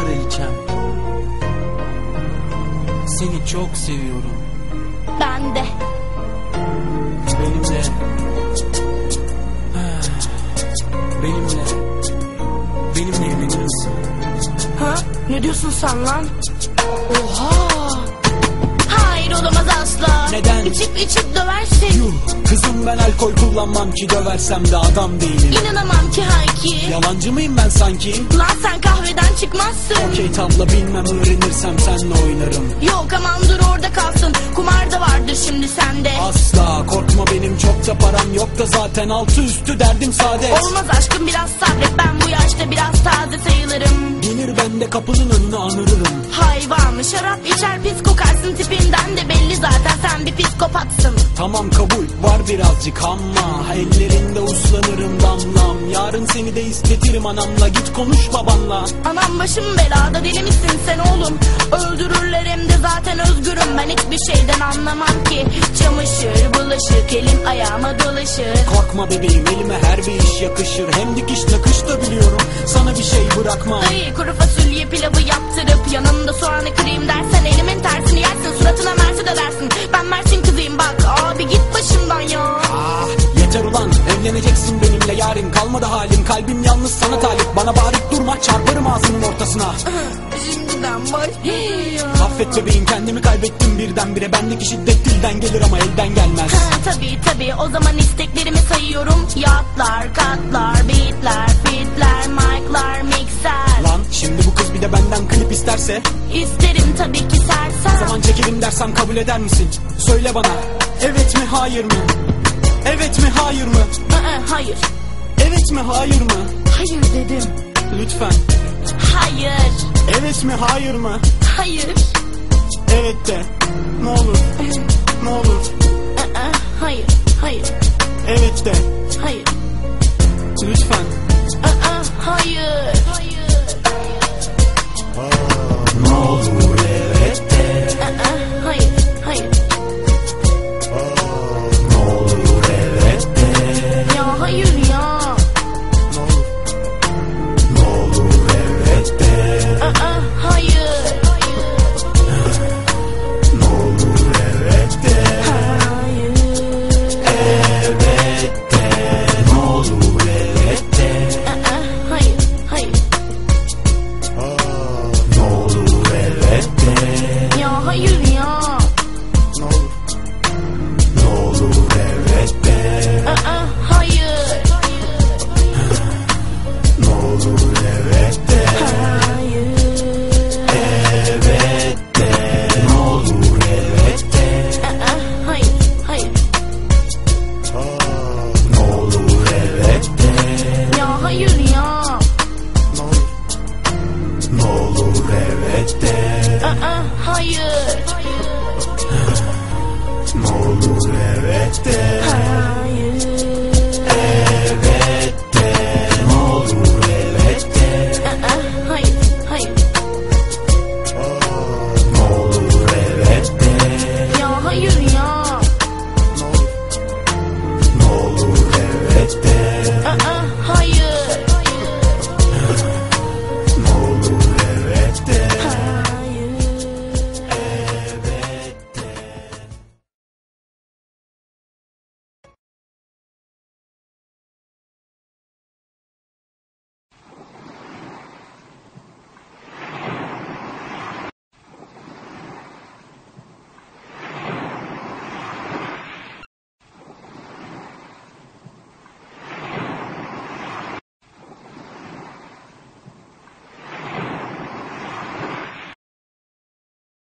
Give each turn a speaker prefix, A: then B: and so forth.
A: kraliçem. Seni çok seviyorum.
B: Ben de.
A: Benimle. Benimle evlenir misin?
B: Ha? Ne diyorsun sen lan? Oha! Hayır, olamaz asla.
A: Neden?
B: İçip döversin.
A: Yuh, kızım ben alkol kullanmam ki, döversem de adam değilim.
B: İnanamam ki Hayki.
A: Yalancı mıyım ben sanki?
B: Lan sen kahveden çıkmazsın.
A: Okey tabla bilmem, öğrenirsem senle oynarım.
B: Yok aman dur orada kalsın. Kumar da vardır şimdi sende.
A: Asla korkma, benim çok da param yok da zaten altı üstü derdim saadet.
B: Olmaz aşkım, biraz sabret, ben bu yaşta biraz taze sayılırım.
A: Gelir ben de kapının önüne anırırım.
B: Hayvan şarap içer pis kokarsın, tipinden de belli zaten sen bir psikopatsın.
A: Tamam kabul var birazcık ama ellerinde uslanırım damlam. Yarın seni de istetirim anamla, git konuş babanla.
B: Anam başım belada, deli misin sen oğlum? Öldürürler hem de zaten özgürüm, ben hiçbir şeyden anlamam ki. Çamaşır bulaşık elim ayağıma dolaşır.
A: Korkma bebeğim, elime her bir iş yakışır. Hem dikiş nakış da biliyorum, sana bir şey bırakmam.
B: Ay kuru fasulye pilavı yaptırıp yanında soğanı kırayım dersen elimin tersini yersin, suratına mersi de dersin. Ben Mersin kızıyım bak abi, git başımdan ya.
A: Ah yeter ulan, evleneceksin benimle yarın, kalmadı halim, kalbim yalnız sana talip. Bana bağırıp durma, çarparım ağzının ortasına.
B: Şimdiden başlıyor.
A: Affet bebeğim, kendimi kaybettim birdenbire. Bendeki şiddet dilden gelir ama elden gelmez.
B: Tabii o zaman isteklerimi sayıyorum. Yatlar, katlar, beatler, fitler, mic'lar, mikser.
A: Lan şimdi bu kız bir de benden klip isterse?
B: İsterim tabii ki sersem.
A: Zaman çekelim dersem kabul eder misin? Söyle bana, evet mi hayır mı? Evet mi hayır mı?
B: Hayır.
A: Evet mi hayır mı?
B: Hayır dedim.
A: Lütfen.
B: Hayır.
A: Evet mi hayır mı?
B: Hayır.
A: Evet de. Ne olur. Ne olur.
B: Hayır. Hayır.
A: Evet de.
B: Hayır.
A: Lütfen.
B: Hayır.
A: Ne olur evet de.
B: Hayır. Hayır.
A: Ne olur evet de.
B: Ya hayır ya.
A: Ne olur evet de.
B: Hayır.
A: Ne olur evet de.
B: Hayır.
A: Evet de. Ne olur evet de.
B: Hayır. Hayır.
A: Ne olur evet de.
B: Ya hayır ya.
A: Ne olur. Ne olur evet de.
B: Hayır.
A: Ne olur evet de.
B: Hayır.
A: Evet de. Ne olur evet de.
B: Hayır. Hayır.
A: Ne olur evet de.
B: Ya hayır ya.
A: Ne olur evet de.
B: Hayır.
A: Ne olur evet de.
B: Hayır.